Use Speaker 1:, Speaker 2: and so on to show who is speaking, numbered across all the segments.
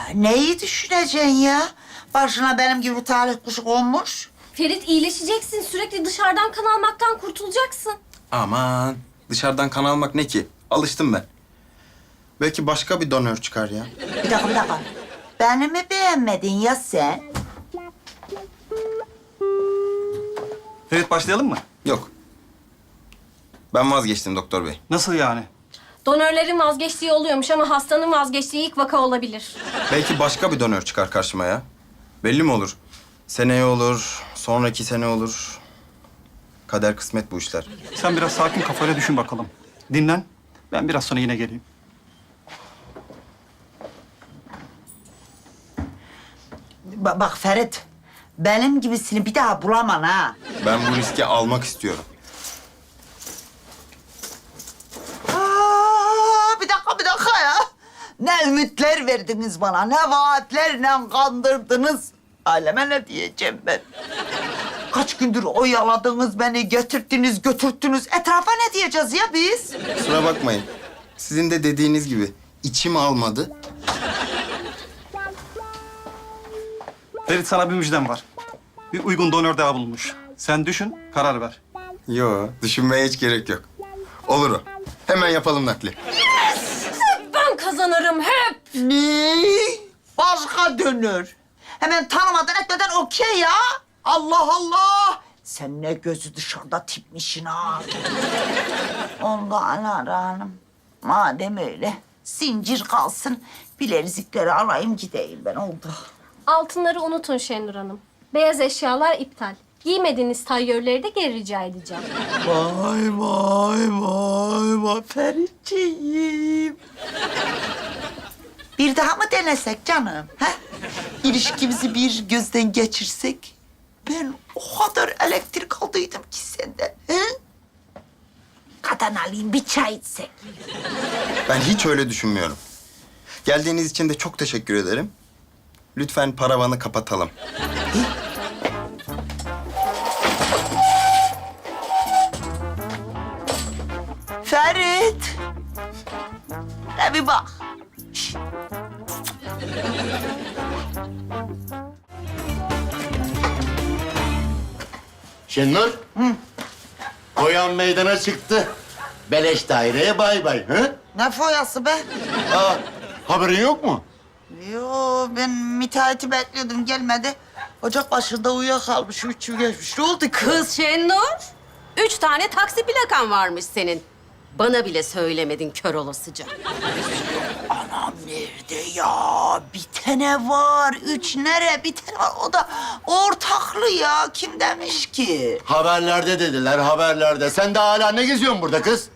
Speaker 1: Neyi düşüneceksin ya? Başına benim gibi talih kuşu konmuş.
Speaker 2: Ferit iyileşeceksin. Sürekli dışarıdan kan almaktan kurtulacaksın.
Speaker 3: Aman dışarıdan kan almak ne ki? Alıştım ben. Belki başka bir donör çıkar ya.
Speaker 1: Bir dakika. Beni mi beğenmedin ya sen?
Speaker 4: Ferit başlayalım mı?
Speaker 3: Yok. Ben vazgeçtim doktor bey.
Speaker 4: Nasıl yani?
Speaker 2: Donörlerin vazgeçtiği oluyormuş ama hastanın vazgeçtiği ilk vaka olabilir.
Speaker 3: Belki başka bir donör çıkar karşıma ya. Belli mi olur? Seneye olur, sonraki sene olur. Kader kısmet bu işler.
Speaker 4: Sen biraz sakin kafayla düşün bakalım. Dinlen. Ben biraz sonra yine geleyim.
Speaker 1: Bak Ferit, benim gibisini bir daha bulaman ha.
Speaker 3: Ben bu riski almak istiyorum.
Speaker 1: Bir dakika ya. Ne ümitler verdiniz bana, ne vaatlerle kandırdınız. Aleme ne diyeceğim ben? Kaç gündür oyaladınız beni, götürttünüz. Etrafa ne diyeceğiz ya biz?
Speaker 3: Kusura bakmayın. Sizin de dediğiniz gibi içim almadı.
Speaker 4: Ferit sana bir müjdem var. Bir uygun donör daha bulunmuş. Sen düşün, karar ver.
Speaker 3: Yo, düşünmeye hiç gerek yok. Olur o. Hemen yapalım nakli.
Speaker 2: Ben kazanırım hep.
Speaker 1: Ne? Başka dönür. Hemen tanımadan etmeden okey ya. Allah Allah. Sen ne gözü dışarıda tipmişsin ha. Onda Alara Hanım. Madem öyle zincir kalsın. Bilezikleri alayım gideyim ben oldu.
Speaker 2: Altınları unutun Şenur Hanım. Beyaz eşyalar iptal. Giymediğiniz tayyörleri de geri rica edeceğim.
Speaker 1: Vay Feritciğim. Bir daha mı denesek canım? Ha? İlişkimizi bir gözden geçirsek. Ben o kadar elektrik aldıydım ki senden. He? Kadın alayım bir çay içsek.
Speaker 3: Ben hiç öyle düşünmüyorum. Geldiğiniz için de çok teşekkür ederim. Lütfen paravanı kapatalım.
Speaker 1: Ferit. Ne bir bak.
Speaker 5: Şenur. Koyan meydana çıktı. Beleş daireye bay bay. Hı?
Speaker 1: Ne foyası be?
Speaker 5: Aa, haberin yok mu?
Speaker 1: Yo ben müteahhiti bekliyordum gelmedi. Ocak başında uyuyakalmış, 3 yıl geçmiş. Ne oldu kız?
Speaker 6: Kız Şenur, 3 tane taksi plakan varmış senin. Bana bile söylemedin kör olasıca.
Speaker 1: Anam nerede ya? Bir tane var. 3 nere? Bir tane var. O da ortaklı ya. Kim demiş ki?
Speaker 5: Haberlerde dediler, haberlerde. Sen de hala ne geziyorsun burada kız?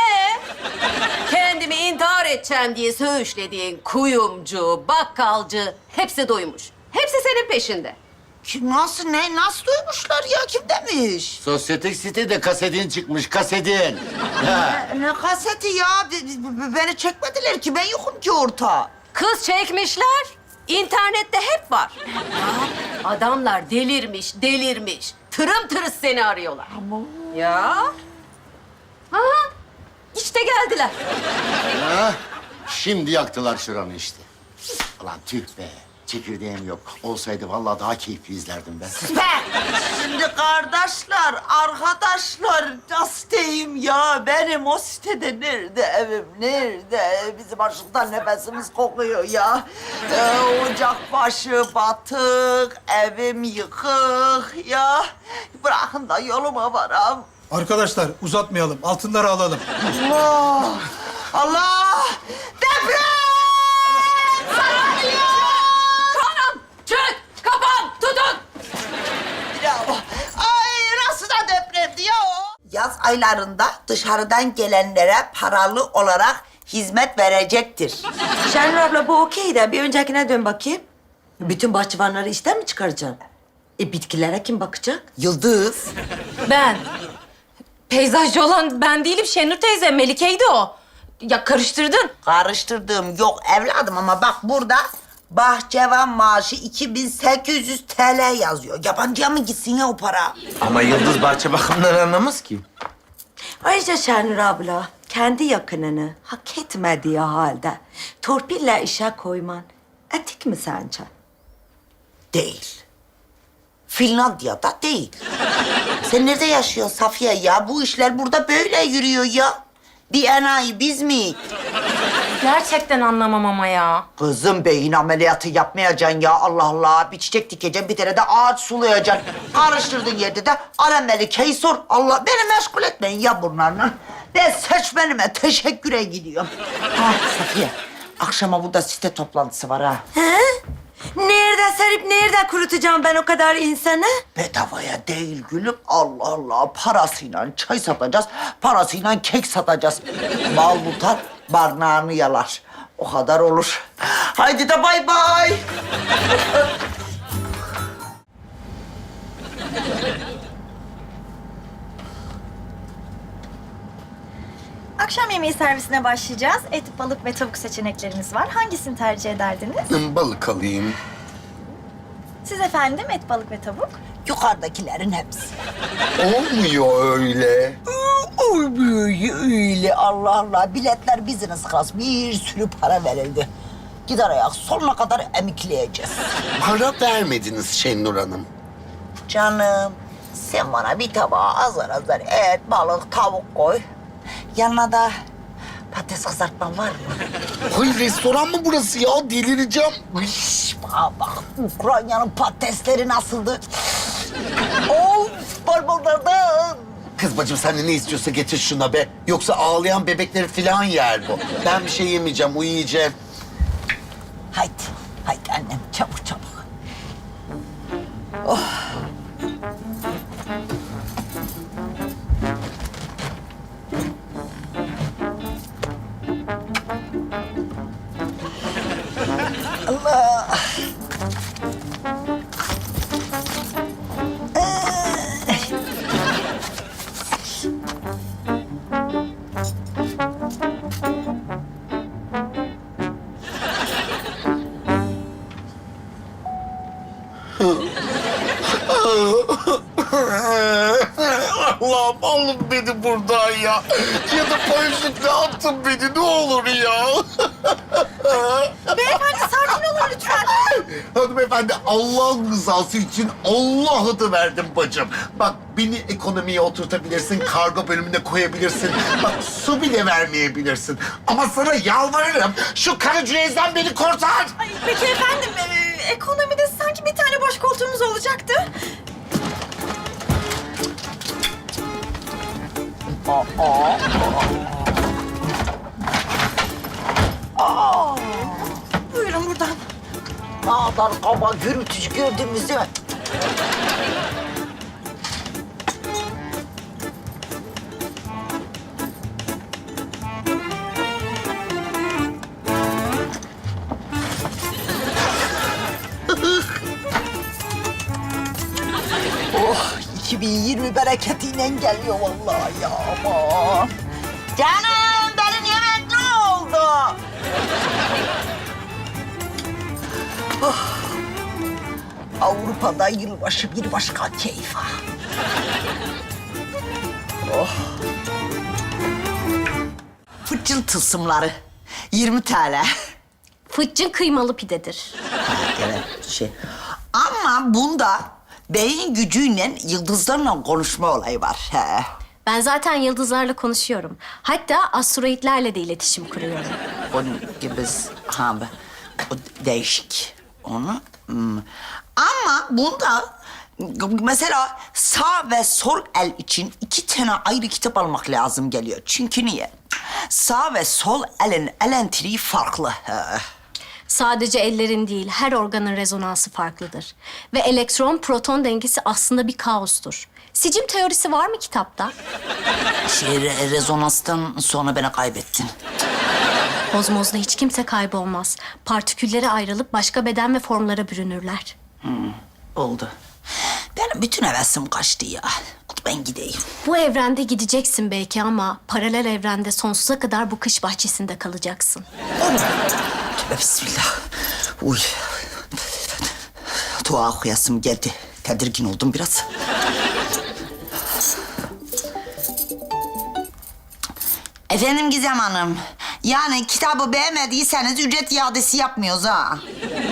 Speaker 6: Kendimi intihar edeceğim diye söğüşlediğin kuyumcu, bakkalcı hepsi doymuş. Hepsi senin peşinde.
Speaker 1: Kim, nasıl, ne? Nasıl duymuşlar ya? Kim demiş?
Speaker 5: Sosyetik sitede kasetin çıkmış, kasetin. Ha.
Speaker 1: Ne kaseti ya? Beni çekmediler ki. Ben yokum ki orta.
Speaker 6: Kız çekmişler. İnternette hep var. Ya, adamlar delirmiş. Tırım tırıs seni arıyorlar. Ya. Ha, işte geldiler.
Speaker 5: Ha, şimdi yaktılar şuranı işte. Ulan tüh be. Çekirdeğim yok. Olsaydı vallahi daha keyifli izlerdim ben.
Speaker 1: Şimdi kardeşler, arkadaşlar nasıl diyeyim ya? Benim o sitede nerede evim, nerede? Bizim açlıktan nefesimiz kokuyor ya. Ocak başı batık, evim yıkık ya. Bırakın da yoluma varam.
Speaker 7: Arkadaşlar uzatmayalım. Altınları alalım.
Speaker 1: Allah! Allah! Deprem! Sarılıyor!
Speaker 6: Kanım, çök, kapan, tutun.
Speaker 1: Bravo. Ay nasıl da depremdi ya o? Yaz aylarında dışarıdan gelenlere paralı olarak hizmet verecektir.
Speaker 8: Şenur abla bu okey de bir öncekine dön bakayım. Bütün bahçıvanları işten mi çıkaracaksın? Bitkilere kim bakacak?
Speaker 1: Yıldız.
Speaker 2: Ben. Peyzajcı olan ben değilim Şenur teyze. Melike'ydi o. Ya karıştırdın.
Speaker 1: Karıştırdığım yok evladım ama bak burada bahçıvan maaşı 2800 TL yazıyor. Yabancıya mı gitsin ya o para?
Speaker 9: Ama Yıldız bahçe bakımından anlamaz ki.
Speaker 8: Ayrıca Şenur abla kendi yakınını hak etmediği halde torpille işe koyman etik mi sence?
Speaker 1: Değil. Finlandiya'da değil. Sen nerede yaşıyorsun Safiye ya? Bu işler burada böyle yürüyor ya. Bir enayi biz mi?
Speaker 2: Gerçekten anlamam ama ya.
Speaker 1: Kızım beyin ameliyatı yapmayacaksın ya Allah Allah. Bir çiçek dikeceksin, bir tane de ağaç sulayacaksın. Karıştırdığın yerde de Melike'yi sor. Allah beni meşgul etmeyin ya bunlarla. Ben seçmenime teşekküre gidiyorum. Ha Safiye, akşama burada site toplantısı var ha.
Speaker 8: He? Nerede serip nerede kurutacağım ben o kadar insanı?
Speaker 1: Bedavaya değil gülüm. Allah Allah. Parasıyla çay satacağız, parasıyla kek satacağız. Mal tutar, barnağını yalar. O kadar olur. Haydi de bay bay.
Speaker 10: Akşam yemeği servisine başlayacağız. Et, balık ve tavuk seçeneklerimiz var. Hangisini tercih ederdiniz?
Speaker 5: Balık alayım.
Speaker 10: Siz efendim et, balık ve tavuk.
Speaker 1: Yukarıdakilerin hepsi.
Speaker 5: Olmuyor öyle.
Speaker 1: Olmuyor öyle. Allah Allah. Biletler business class. Bir sürü para verildi. Gider ayak sonuna kadar emikleyeceğiz.
Speaker 5: Para vermediniz Şenur Hanım.
Speaker 1: Canım, sen bana bir tabağa azar azar et, balık, tavuk koy. Yanına da patates kızartman var mı?
Speaker 5: Hayır, restoran mı burası ya? Delireceğim.
Speaker 1: Şş, bak, Ukrayna'nın patatesleri nasıldı? Of, parmaklardan.
Speaker 5: Kız bacım sen de ne istiyorsa getir şuna be. Yoksa ağlayan bebekleri falan yer bu. Ben bir şey yemeyeceğim, uyuyacağım.
Speaker 1: Haydi, haydi annem, çabuk çabuk.
Speaker 5: Allah'ım alın beni buradan ya. Ya da paraşütle atın beni ne olur ya.
Speaker 10: Beyefendi sakin olun lütfen.
Speaker 5: Hanımefendi Allah'ın rızası için Allah adı verdim bacım. Bak beni ekonomiye oturtabilirsin, kargo bölümüne koyabilirsin. Bak su bile vermeyebilirsin. Ama sana yalvarırım şu Karacuez'den beni kurtar.
Speaker 10: Ay, peki efendim ekonomide sanki bir tane boş koltuğumuz olacaktı. Buyurun buradan.
Speaker 1: Ne kadar kaba, gürültücü gördünüz değil mi? Oh, 2020 bereketiyle geliyor vallahi ya aman. Canım, benim yemek ne oldu? Avrupa'da yılbaşı bir başka keyif ha. Oh. Fıçıl tılsımları 20 TL.
Speaker 6: Fıçın kıymalı pidedir.
Speaker 1: Evet Ama bunda beyin gücüyle yıldızlarla konuşma olayı var. He.
Speaker 6: Ben zaten yıldızlarla konuşuyorum. Hatta asteroidlerle de iletişim kuruyorum.
Speaker 1: Onun gibi o değişik. Onu. Ama bunda mesela sağ ve sol el için 2 tane ayrı kitap almak lazım geliyor. Çünkü niye? Sağ ve sol elin elektriği farklı.
Speaker 6: Sadece ellerin değil, her organın rezonansı farklıdır. Ve elektron-proton dengesi aslında bir kaostur. Sicim teorisi var mı kitapta?
Speaker 1: Rezonanstan sonra beni kaybettin.
Speaker 6: Kozmozda hiç kimse kaybolmaz. Partiküllere ayrılıp başka beden ve formlara bürünürler.
Speaker 1: Oldu. Benim bütün hevesim kaçtı ya. Ben gideyim.
Speaker 6: Bu evrende gideceksin belki ama paralel evrende sonsuza kadar bu kış bahçesinde kalacaksın.
Speaker 1: Tövbe bismillah. Uy. Dua okuyasım geldi. Tedirgin oldum biraz. Efendim Gizem Hanım. Yani kitabı beğenmediyseniz ücret iadesi yapmıyoruz ha.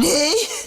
Speaker 1: Ne?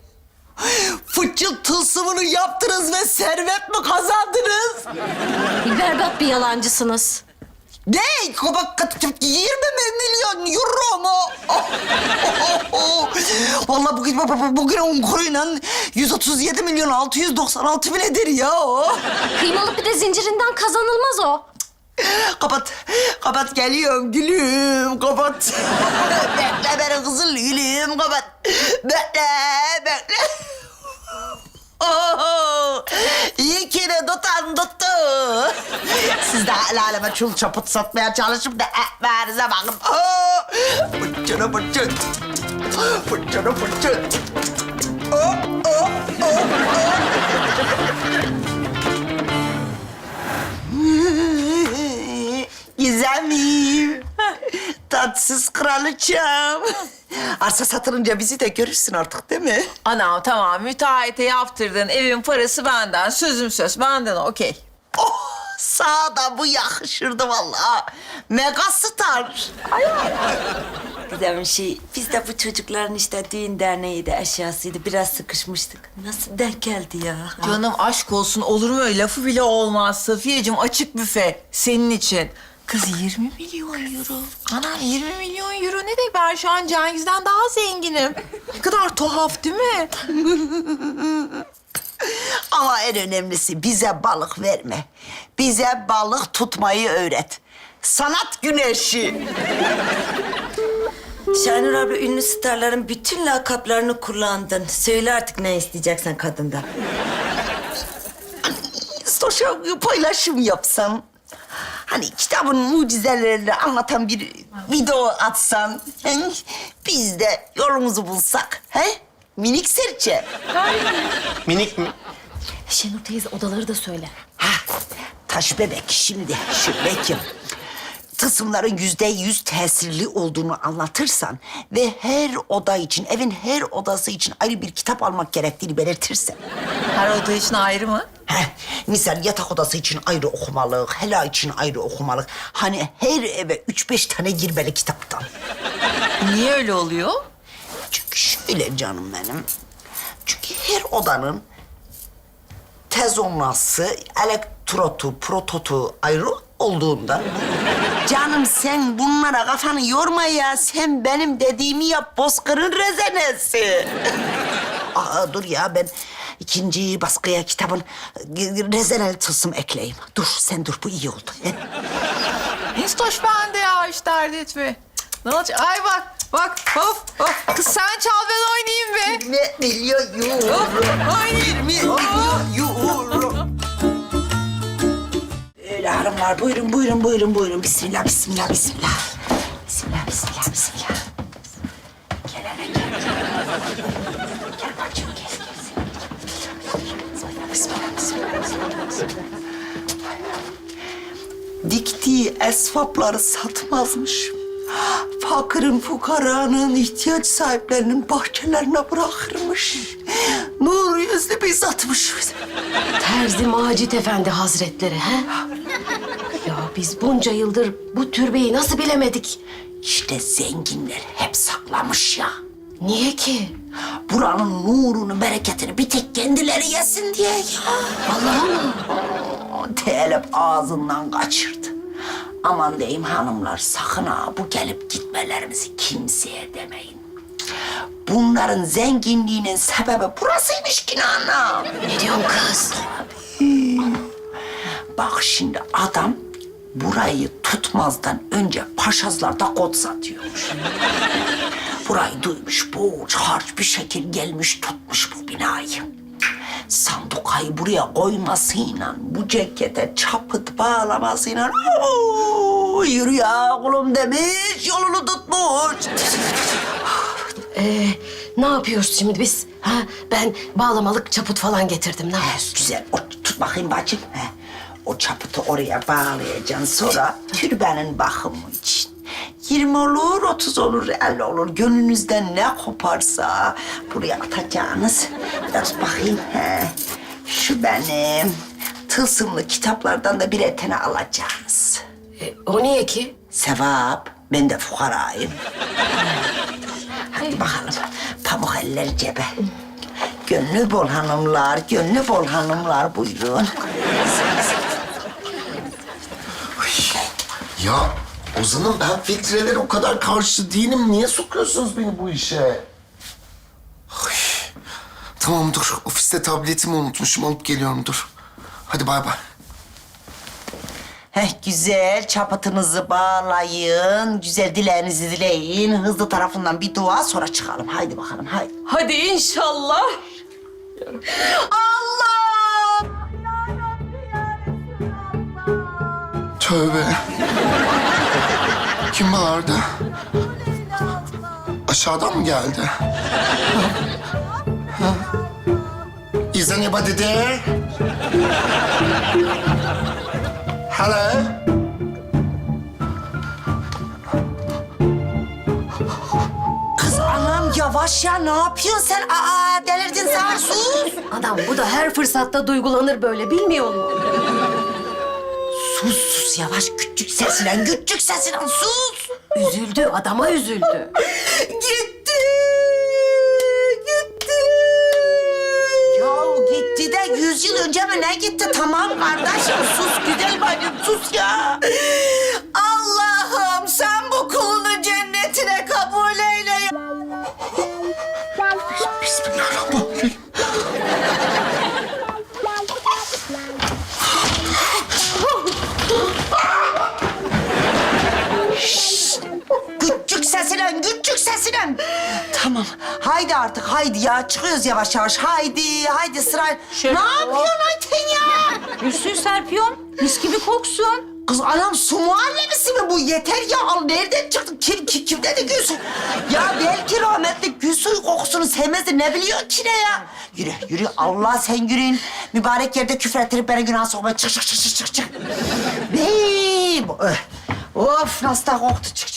Speaker 1: Fıçı tılsımını yaptınız ve servet mi kazandınız?
Speaker 6: Berbat bir yalancısınız.
Speaker 1: Ne? 20 milyon euro mu? Vallahi bugün 10 kuruyla 137 milyon 696 bin eder ya o.
Speaker 6: Kıymalı pide zincirinden kazanılmaz o.
Speaker 1: Kapat geliyorum gülüm, kapat. Bekle beni kızıl gülüm, kapat. Bekle. Oh, iyi ki de tuttu. Siz de el aleme çul çaput satmaya çalışıp da ekmeğinize bakın. Oh, fıçını fıçın. Fıçını fıçın. Oh. Gizemim. Tatsız kraliçem. Arsa satılınca bizi de görürsün artık değil mi?
Speaker 11: Anam tamam müteahhite yaptırdın. Evin parası benden. Sözüm söz benden okey.
Speaker 1: Oh, sağa da bu yakışırdı vallahi. Megastar.
Speaker 8: Güzel bir şey. Biz de bu çocukların işte düğün derneğiydi, eşyasıydı. Biraz sıkışmıştık. Nasıl denk geldi ya?
Speaker 11: Canım aşk olsun olur mu öyle lafı bile olmaz. Safiyeciğim açık büfe senin için. Kız 20 milyon euro. Anam 20 milyon euro ne demek? Ben şu an Cengiz'den daha zenginim. Ne kadar tuhaf değil mi?
Speaker 1: Ama en önemlisi bize balık verme. Bize balık tutmayı öğret. Sanat güneşi.
Speaker 8: Şahinur abla, ünlü starların bütün lakaplarını kullandın. Söyle artık ne isteyeceksen kadından.
Speaker 1: Sosyal paylaşım yapsam. Hani kitabın mucizelerini anlatan bir video atsan. He? Biz de yolumuzu bulsak. He? Minik serçe.
Speaker 9: Minik mi?
Speaker 6: Şenur teyze odaları da söyle.
Speaker 1: Ha, taş bebek şimdi şu Bekim. Tılsımların %100 tesirli olduğunu anlatırsan ve her oda için, evin her odası için ayrı bir kitap almak gerektiğini belirtirsen.
Speaker 11: Her oda için ayrı mı?
Speaker 1: Heh, misal yatak odası için ayrı okumalık, hela için ayrı okumalık. Hani her eve 3-5 tane girmeli kitaptan.
Speaker 11: Niye öyle oluyor?
Speaker 1: Çünkü şöyle canım benim. Çünkü her odanın tezonası, elektrotu, prototu ayrı olduğunda... Canım sen bunlara kafanı yorma ya. Sen benim dediğimi yap, Bozkır'ın rezenesi. Aa, dur ya, ben ikinci baskıya kitabın rezeneli tılsım ekleyeyim. Dur, sen dur, bu iyi oldu.
Speaker 11: Histoş bende ya hiç dert etme. Cık, ne olacak? Ay bak of. Kız sen çal ben oynayayım be.
Speaker 1: Ne biliyorum?
Speaker 11: Oynayayım.
Speaker 1: Euro. Öyle hanımlar, buyurun. Bismillah. Bismillah. Gel hele gel. Gel bacım, gel. Bismillah. Diktiği esvapları satmazmış. Fakirin, fukaranın, ihtiyaç sahiplerinin bahçelerine bırakırmış. Nur yüzlü bir zatmış.
Speaker 12: Terzi Macit Efendi Hazretleri, he? Ya biz bunca yıldır bu türbeyi nasıl bilemedik?
Speaker 1: İşte zenginler hep saklamış ya.
Speaker 12: Niye ki?
Speaker 1: Buranın nurunu, bereketini bir tek kendileri yesin diye ya.
Speaker 12: Vallahi mı?
Speaker 1: Telep ağzından kaçırdı. Aman diyeyim hanımlar, sakın ha bu gelip gitmelerimizi kimseye demeyin. Bunların zenginliğinin sebebi burasıymış ki ana.
Speaker 12: Ne diyorsun kız?
Speaker 1: Bak şimdi adam burayı tutmazdan önce Paşazlar'da kod satıyormuş. Burayı duymuş, borç harç bir şekil gelmiş tutmuş bu binayı. Sandukayı buraya koymasıyla, bu cekete çapıt bağlamasıyla yürü ya kulum demiş, yolunu tutmuş.
Speaker 12: Ne yapıyoruz şimdi biz? Ha? Ben bağlamalık çaput falan getirdim. Ne yapıyorsun?
Speaker 1: Güzel, tut bakayım bacım. O çapıtı oraya bağlayacaksın, sonra türbenin bakımı için. 20 olur, 30 olur, 50 olur. Gönlünüzden ne koparsa buraya atacaksınız. Biraz bakayım. Şu benim tılsımlı kitaplardan da birer tane alacaksınız.
Speaker 12: O niye ki?
Speaker 1: Sevap. Ben de fukarayım. Hadi bakalım. Pamuk eller. elleri cebe. Gönlü bol hanımlar, gönlü bol hanımlar buyurun.
Speaker 5: Ya Ozan'ım ben filtrelere o kadar karşı değilim. Niye sokuyorsunuz beni bu işe? Ay. Tamam dur. Ofiste tabletimi unutmuşum. Alıp geliyorum dur. Hadi bay bay.
Speaker 1: Güzel çapatınızı bağlayın, güzel dileğinizi dileyin. Hızlı tarafından bir dua sonra çıkalım. Haydi bakalım haydi.
Speaker 12: Hadi inşallah.
Speaker 1: Allah!
Speaker 5: Tövbe. Kim bağırdı? Aşağıdan mı geldi? Ha? Is anybody there? Hello?
Speaker 1: Kız anam yavaş ya ne yapıyorsun sen? Aa delirdin sen sus.
Speaker 12: Adam bu da her fırsatta duygulanır böyle bilmiyor mu?
Speaker 1: Sus yavaş küçük sesiyle sus.
Speaker 12: Üzüldü, adama üzüldü.
Speaker 1: Gitti. Ya gitti de 100 yıl önce mi ne gitti? Tamam kardeşim sus güzel bacım sus ya. Allah'ım sen bu kulunu cennetine kabul eyle ya.
Speaker 5: Bismillahirrahmanirrahim.
Speaker 1: Küçük sesiyle. Tamam haydi artık haydi ya çıkıyoruz yavaş yavaş. Haydi sıra. Ne yapıyorsun Ayten ya?
Speaker 2: Gülsün serpiyorum. Mis gibi koksun.
Speaker 1: Kız anam su muhallebisi mi bu? Yeter ya. Al nereden çıktı? Kim dedi Gülsün? Ya belki rahmetli gül suyu kokusunu sevmezdi. Ne biliyor ki ne ya? Yürü. Allah sen yürüyün. Mübarek yerde küfür ettirip beni günah sokma. Çık. Of nasıl da koktu. Çık.